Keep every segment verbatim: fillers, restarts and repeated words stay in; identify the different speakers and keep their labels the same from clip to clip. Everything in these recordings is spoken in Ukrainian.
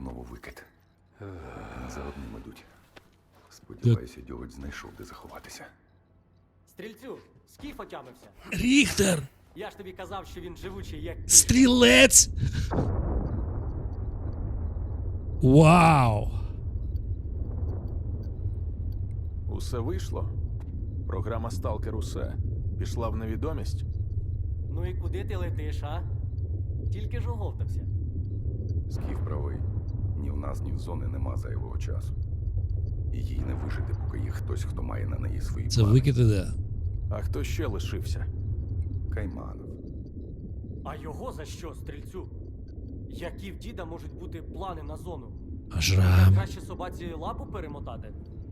Speaker 1: знову викид. Не за одним ідуть. Сподіваюся, Дьоготь знайшов, де заховатися.
Speaker 2: Стрільцю, скіф отямився.
Speaker 3: Ріхтер!
Speaker 2: Я ж тобі казав, що він живучий, як...
Speaker 3: Стрілець! Вау!
Speaker 4: Усе вийшло? Програма Сталкер усе. Пішла в невідомість?
Speaker 2: Ну і куди ти летиш, а? Тільки ж оговтався.
Speaker 1: Скіф правий. Ні в нас, ні в зони нема зайвого часу. І їй не вижити, поки є хтось, хто має на неї свої
Speaker 3: Це
Speaker 1: плани.
Speaker 3: викид іде.
Speaker 4: А хто ще лишився?
Speaker 1: Кайманов.
Speaker 2: А його за що, стрільцю? Які в діда можуть бути плани на зону?
Speaker 3: А Шрам?
Speaker 2: Краще собаці лапу перемотати?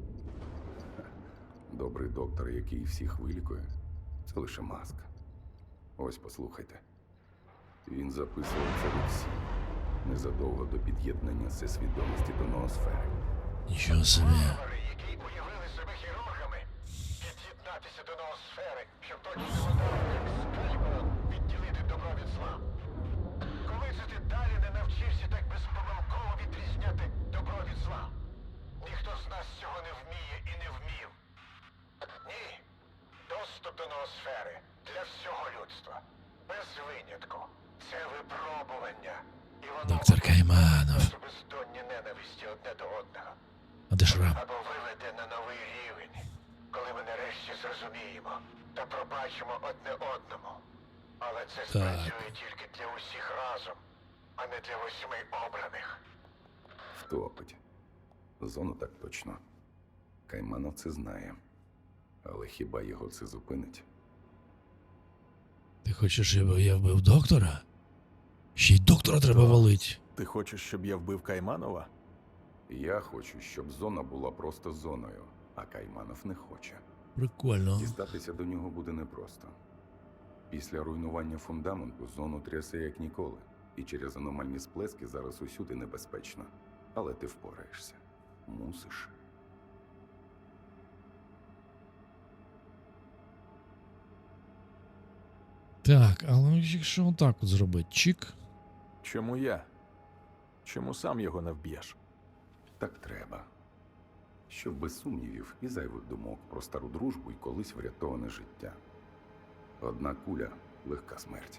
Speaker 1: Добрий доктор, який всіх вилікує, це лише маска. Ось послухайте. Він записував це в Іксі незадовго до під'єднання всесвідомості до ноосфери.
Speaker 3: Нічого собі.
Speaker 5: Варвари, які уявили себе хірургами, під'єднатися до ноосфери, щоб точно ударом, як скальпелем, відділити добро від зла. Коли це ти далі не навчився так безпомилково відрізняти добро від зла? Ніхто з нас цього не вміє і не вмів. Ні. Доступ до ноосфери для всього людства. Без винятку. Це випробування. І воно
Speaker 3: Доктор Кайманов.
Speaker 5: у бездонні ненависті одне до одного.
Speaker 3: А де Шрам?
Speaker 5: Або виведе на новий рівень, коли ми нарешті зрозуміємо та пробачимо одне одному. Але це спрацює тільки для усіх разом, а не для восьми обраних.
Speaker 1: Втопить. Зону так точно. Кайманов це знає. Але хіба його це зупинить?
Speaker 3: Ти хочеш, щоб я вбив доктора? Ще й доктора треба валить.
Speaker 4: Ти хочеш, щоб я вбив Кайманова?
Speaker 1: Я хочу, щоб зона була просто зоною, а Кайманов не хоче.
Speaker 3: Прикольно.
Speaker 1: Дістатися до нього буде непросто. Після руйнування фундаменту зону трясе як ніколи. І через аномальні сплески зараз усюди небезпечно. Але ти впораєшся. Мусиш.
Speaker 3: Так, але якщо отак от зробити, чик.
Speaker 4: Чому я? Чому сам його не вб'єш?
Speaker 1: Так треба. Щоб без сумнівів і зайвих думок про стару дружбу і колись врятоване життя. Одна куля – легка смерть.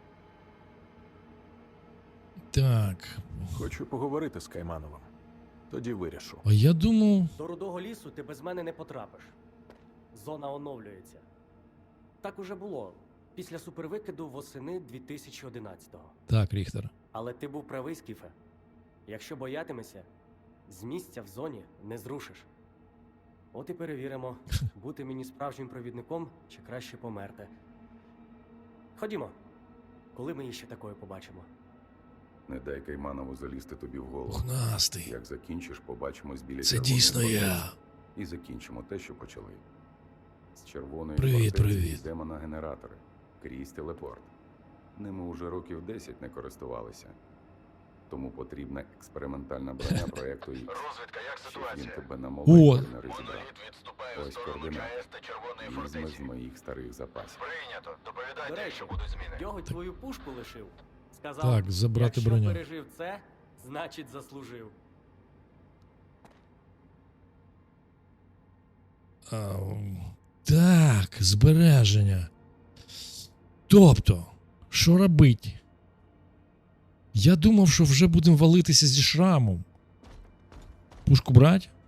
Speaker 3: Так.
Speaker 4: Хочу поговорити з Каймановим. Тоді вирішу.
Speaker 3: А я думав.
Speaker 2: До рудого лісу ти без мене не потрапиш. Зона оновлюється. Так уже було. Після супервикиду восени дві тисячі одинадцятого.
Speaker 3: Так, Ріхтер.
Speaker 2: Але ти був правий, Скіфе. Якщо боятимешся, з місця в зоні не зрушиш. От і перевіримо, бути мені справжнім провідником чи краще померти. Ходімо. Коли ми її ще такою побачимо?
Speaker 1: Не дай Кайманову залізти тобі в голову.
Speaker 3: Пухнастий.
Speaker 1: Як закінчиш, побачимось біля
Speaker 3: Це
Speaker 1: червоної
Speaker 3: дійсно
Speaker 1: фортеці.
Speaker 3: я.
Speaker 1: І закінчимо те, що почали. З червоної
Speaker 3: Привіт,
Speaker 1: фортеці
Speaker 3: привіт.
Speaker 1: йдемо на генератори. Крізь телепорт. Ними уже років десять не користувалися. Тому потрібна експериментальна броня проєкту Ікс.
Speaker 5: Розвідка, як
Speaker 1: Щоб він
Speaker 5: ситуація?
Speaker 1: тебе
Speaker 3: О!
Speaker 1: на молоді не розібрав.
Speaker 5: Моноліт відступає в
Speaker 1: Ось
Speaker 5: сторону
Speaker 1: координати.
Speaker 5: ЧАЕС та Червоної
Speaker 1: Візьми
Speaker 5: фортеці.
Speaker 1: з моїх старих запасів.
Speaker 5: Прийнято.
Speaker 2: До
Speaker 5: Доповідайте,
Speaker 2: речі,
Speaker 5: якщо будуть зміни.
Speaker 2: Дьоготь твою пушку лишив. Сказав,
Speaker 3: Так, забрати
Speaker 2: якщо
Speaker 3: броню.
Speaker 2: пережив це, значить заслужив.
Speaker 3: А, так, збереження. Тобто, що робити? Я думав, що вже будемо валитися зі Шрамом. Пушку брать?